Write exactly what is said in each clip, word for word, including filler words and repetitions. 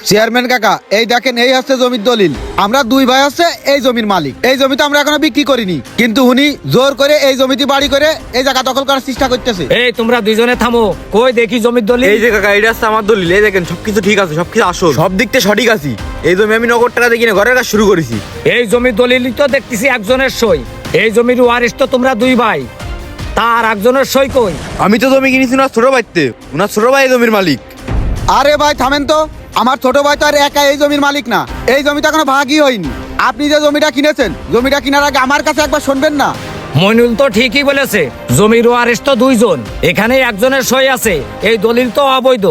Chairman কাকা, এই দেখেন, এই হচ্ছে জমির দলিল। আমরা দুই ভাই হচ্ছে এই জমির মালিক। এই জমি তো আমরা এখনো বিক্রি করিনি, কিন্তু উনি জোর করে এই জমিতে বাড়ি করে এই জায়গা দখল করার চেষ্টা করতেছে। এই তোমরা দুইজনে থামো, কই দেখি জমির দলিল। এই যে কাকা, এটা হচ্ছে আমার দলিল। এই দেখেন, সবকিছু ঠিক আছে, সবকিছু আসল, সব দিক থেকে সঠিক আছি। এই জমি আমি নগদ টাকা দিয়ে কিনে ঘরের কাজ শুরু করেছি। এই জমির দলিলই তো দেখতেছি একজনের সই। এই জমির ওয়ারিশ তো তোমরা দুই ভাই, তার একজনের সই কই? আমি তো জমি কিনেছি ওনার ছোট ভাইতে, ওনার ছোট ভাই এই জমির মালিক। আরে ভাই থামেন তো, আমার ছোট ভাই তো আর একা এই জমির মালিক না। এই জমিটা এখনো ভাগই হয়নি। আপনি যে জমিটা কিনেছেন, জমিটা কেনার আগে আমার কাছে একবার শুনবেন না? মইনুল তো ঠিকই বলেছে, জমির ওয়ারিশ তো দুইজন, এখানে একজনের সই আছে। এই দলিল তো অবৈধ।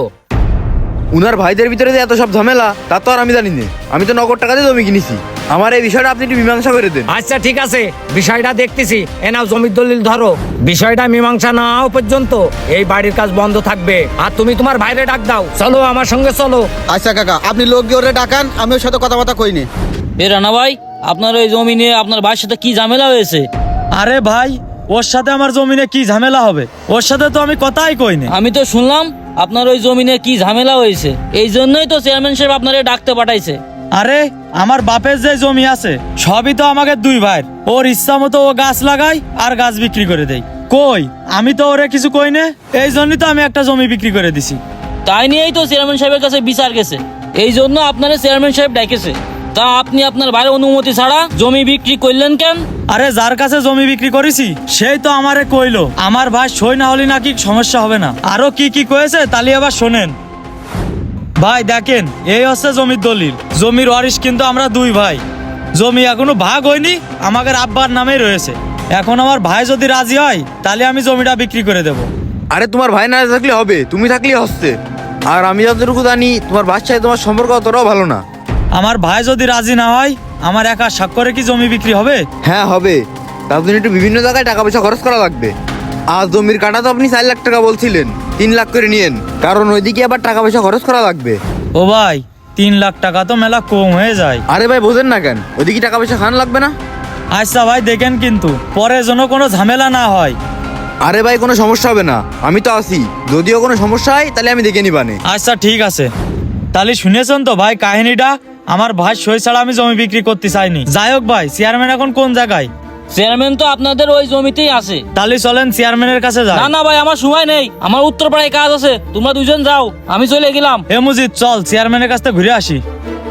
উনার ভাইদের ভিতরে যে এত সব ঝামেলা, তা তো আর আমি জানি না। আমি তো নগদ টাকা দিয়ে জমি কিনেছি। আমার এই বিষয়টা আপনি একটু মীমাংসা করে দেন। আচ্ছা ঠিক আছে, বিষয়টা দেখতেছি। এ নাও জমির দলিল ধরো। বিষয়টা মীমাংসা না হওয়া পর্যন্ত এই বাড়ির কাজ বন্ধ থাকবে। আর তুমি তোমার বাইরে ডাক দাও, চলো আমার সঙ্গে চলো। আচ্ছা কাকা, আপনি লোক গিয়ে ওরে ডাকান, আমি ওর সাথে কথাবার্তা কইনি। এ রানা ভাই, আপনার ওই জমি নিয়ে আপনার ভাইয়ের সাথে কি ঝামেলা হয়েছে? আরে ভাই, ওর সাথে আমার জমিনে কি ঝামেলা হবে? ওর সাথে তো আমি কথাই কইনি। আমি তো শুনলাম আপনার ওই জমি নিয়ে কি ঝামেলা হয়েছে। এই জন্যই তো চেয়ারম্যান সাহেব আপনারে ডাকতে পাঠাইছে। আরে আমার বাপের যে জমি আছে সবই তো আমাকে দুই ভাইয়ের। ওর ইচ্ছা মতো ও গাছ লাগায় আর গাছ বিক্রি করে দেয়। কই, আমি তো ওরে কিছু কই না। এই জন্যই তো আমি একটা জমি বিক্রি করে দিছি। তাই নিয়েই তো চেয়ারম্যান সাহেবের কাছে বিচার গেছে। এই জন্য আপনারা চেয়ারম্যান সাহেব ডাকেছে। তা আপনি আপনার ভাইয়ের অনুমতি ছাড়া জমি বিক্রি করলেন কেন? আরে যার কাছে জমি বিক্রি করেছি সেই তো আমারে কইলো আমার ভাই সই না হলে নাকি সমস্যা হবে না। আরো কি কি কয়েছে তাহলে আবার শোনেন। ভাই দেখেন, এই হচ্ছে জমির দলিল। জমির ওয়ারিশ কিন্তু আমরা দুই ভাই। জমি এখনো ভাগ হয়নি, আমাদের আব্বার নামেই রয়েছে। এখন আমার ভাই যদি রাজি হয় তাহলে আমি জমিটা বিক্রি করে দেব। আরে তোমার ভাই না থাকলে হবে, তুমি থাকলেই হচ্ছে। আর আমি যতটুকু জানি, তোমার বাচ্চায় তোমার সম্পর্ক অতটাও ভালো না। আমার ভাই যদি রাজি না হয়, আমার একা স্বাক্ষরে কি জমি বিক্রি হবে? হ্যাঁ হবে, তার জন্য একটু বিভিন্ন জায়গায় টাকা পয়সা খরচ করা লাগবে। আর জমির কাটা তো আপনি চার লাখ টাকা বলছিলেন, তিন লাখ করে নিয়েন, কারণ ওইদিকে আবার টাকা পয়সা খরচ করা লাগবে। ও ভাই, তিন লাখ টাকা তো মেলা কম হয়ে যায়। আরে ভাই বোঝেন না কেন, ওইদিকে টাকা পয়সা খান লাগবে না? আচ্ছা ভাই দেখেন, কিন্তু পরে যেন কোনো ঝামেলা না হয়। আরে ভাই কোনো সমস্যা হবে না, আমি তো আছি। যদিও কোনো সমস্যা হয় তাহলে আমি দেখে নিবানে। আচ্ছা ঠিক আছে, তাহলে শুনেছেন তো ভাই কাহিনীটা। আমার ভাই সই ছাড়া আমি জমি বিক্রি করতে চাইনি। যাই হোক ভাই, চেয়ারম্যান এখন কোন জায়গায়? চেয়ারম্যান তো আপনাদের ওই জমিতেই আছে। তাহলে চলেন চেয়ারম্যানের কাছে যাই। না না ভাই, আমার সময় নেই, আমার উত্তরপাড়ায় কাজ আছে। তোমরা দুজন যাও, আমি চলে গেলাম। হে মুজিদ, চল চেয়ারম্যানের কাছ থেকে ঘুরে আসি।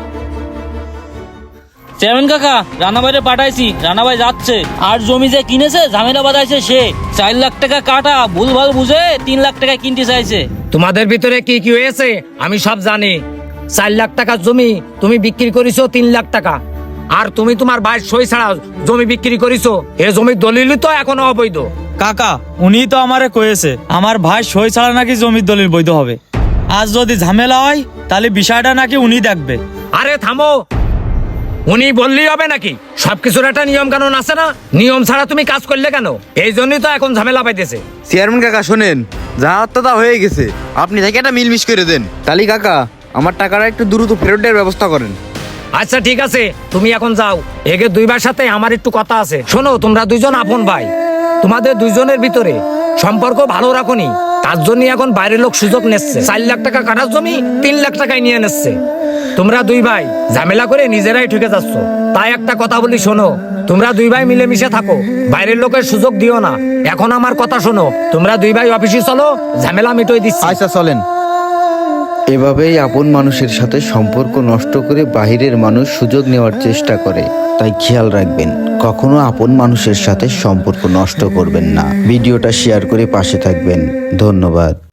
চেয়ারম্যান কাকা, রানা ভাইরে পাঠাইছি, রানা ভাই যাচ্ছে। আর জমি যে কিনেছে ঝামেলা বাঁধাইছে সে। চার লাখ টাকা কাটা ভুলভাল বুঝে তিন লাখ টাকা কিনতে চাইছে। তোমাদের ভিতরে কি কি হয়েছে আমি সব জানি। চার লাখ টাকার জমি তুমি বিক্রি করিছো তিন লাখ টাকা, আর তুমি তোমার ভাইয়ের সই ছাড়া জমি বিক্রি করিছো। এ জমির দলিল তো এখনো অবৈধ। কাকা, উনি তো আমারে কয়েছে আমার ভাই সই ছাড়া নাকি জমির দলিল বৈধ হবে। আজ যদি ঝামেলা হয় তাহলে বিষয়টা নাকি উনি দেখবে। আরে থামো, উনি বললেই হবে নাকি? সবকিছুর একটা নিয়ম কানুন আছে না? নিয়ম ছাড়া তুমি কাজ করলে কেন? এই জন্যই তো এখন ঝামেলা পাইতেছে। চেয়ারম্যান কাকা শোনেন, যা হত্যা তা হয়ে গেছে, আপনি থেকে একটা মিলমিশ করে দেন। তালি কাকা, আমার টাকাটা একটু দ্রুত ফেরত দেওয়ার ব্যবস্থা করেন। আচ্ছা ঠিক আছে, তুমি এখন যাও। একে দুইবার সাথে আমার একটু কথা আছে। শোনো, তোমরা দুইজন আপন ভাই, তোমাদের দুইজনের ভিতরে সম্পর্ক ভালো রাখোনি, তার জন্য এখন বাইরের লোক সুযোগ নিচ্ছে। চার লাখ টাকা কাটার জমি তিন লাখ টাকায় নিয়ে নিচ্ছে। তোমরা দুই ভাই ঝামেলা করে নিজেরাই ঠকে যাচ্ছ। তাই একটা কথা বলি, শোনো, তোমরা দুই ভাই মিলেমিশে থাকো, বাইরের লোকের সুযোগ দিও না। এখন আমার কথা শোনো, তোমরা দুই ভাই অফিসে চলো, ঝামেলা মিটোই দিচ্ছি। আচ্ছা চলেন। এভাবেই আপন মানুষের সাথে সম্পর্ক নষ্ট করে বাহিরের মানুষ সুযোগ নেওয়ার চেষ্টা করে। তাই খেয়াল রাখবেন, কখনো আপন মানুষের সাথে সম্পর্ক নষ্ট করবেন না। ভিডিওটা শেয়ার করে পাশে থাকবেন। ধন্যবাদ।